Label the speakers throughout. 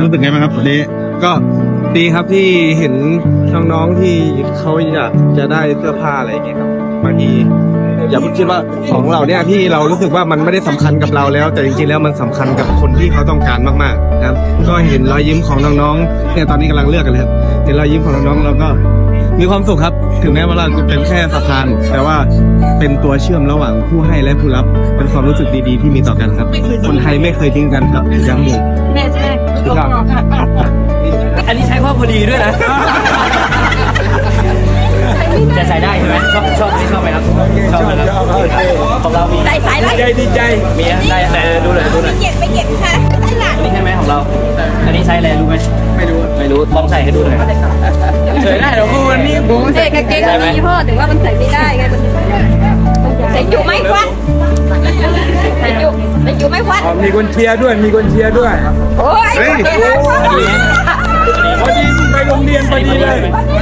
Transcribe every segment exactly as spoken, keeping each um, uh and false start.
Speaker 1: รู้สึกไงบ้างครับวันนี้
Speaker 2: ก็ดีครับที่เห็นน้องๆที่เขาอยากจะได้เสื้อผ้าอะไรอย่างเงี้ยครับบางทีอย่าเพิ่งคิดว่าของเราเนี่ยที่เรารู้สึกว่ามันไม่ได้สำคัญกับเราแล้ว แต่จริงๆแล้วมันสำคัญกับคนที่เขาต้องการมากๆนะครับก็เห็นรอยยิ้มของน้องๆเนี่ยตอนนี้กำลังเลือกกันเลยครับเห็นรอยยิ้มของน้องๆเราก็มีความสุขครับถึงแม้ว่าเราจะเป็นแค่สะพานแต่ว่าเป็นตัวเชื่อมระหว่างผู้ให้และผู้รับเป็นความรู้สึกดีๆที่มีต่อกันครับคนไทยไม่เคยทิ้งกันครับย้ำเลย
Speaker 3: แม่ใช่ครับ
Speaker 4: อันนี้ใช้พ่อพอดีด้วยนะจะใส่ได้ใช่ไหมชอบชอบไม่ชอบไหมครับชอบไหมครับของเรามี
Speaker 3: ใส่สายแล้ว
Speaker 4: ใจดีใจมีได้แต่ดูหน่อยดูหน่อย
Speaker 3: เก็บไปเก็บค่ะใส่หลัง
Speaker 4: อันนี้ใช่ไหมของเราอันนี้ใช้อะไรรู้ไหมไม่รู้ไม่รู้ลองใส่ให้ดูหน่อยเฉยได้เหรอพูวันนี้ผม
Speaker 3: เด็กกางเกงมันมียี่ห้อถึงว่ามันใส่ไม่ได้ไงมันใส่อยู่ไหมควันใส่อยู่ใส่อยู่ไหมควัน
Speaker 2: มีคนเชียร์ด้วยมีคนเชียร์ด้วย
Speaker 3: โอ้ย
Speaker 2: พอดีไปโรงเรียนพอดีเลย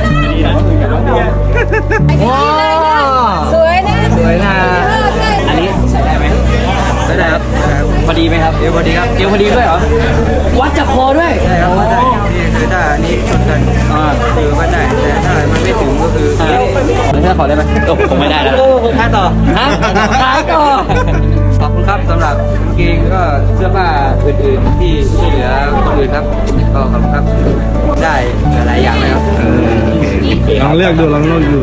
Speaker 4: ว้า
Speaker 3: สวยนะ
Speaker 4: สวยนะอันนี้ใส่ได้ไหมได้ได้ครับพอดีไหมครับเอวพอดีครับเอวพอดีด้วยเหรอวัดจากคอด้วยใช่ครับวัดได้นี่คือถ้าอันนี้ชนกันอ่าคือวัดได้แต่ถ้ามันไม่ถึงก็คือแล้วถ้าขอได้ไหมโอ้ผมไม่ได้แล้วค่าต่อฮะค่าต่อขอบคุณครับสำหรับกางเกงก็เสื้อผ้าอื่นๆที่ช่วยเหลือคนอื่นครับก็ขอบคุณครับได้หลายอย่างเลยครับ
Speaker 2: ลองเลือกดูลองเลือกดู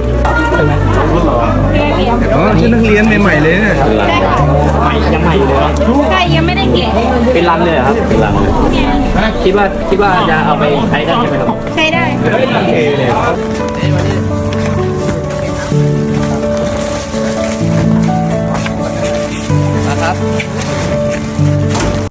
Speaker 2: อ๋อชุดนักเรียนใหม่ๆเลยเนี่ย
Speaker 4: ยังใหม่อยู่เลย
Speaker 3: ใช่ยังไม่ได้เก็บ
Speaker 4: เป็นรังเลยเหรอครับเป็นรังเลยคิดว่าคิดว่าจะเอาไปใช้ได้ใช่ไหมครับ
Speaker 3: ใช้ได้
Speaker 4: โอเคเลยนะครับ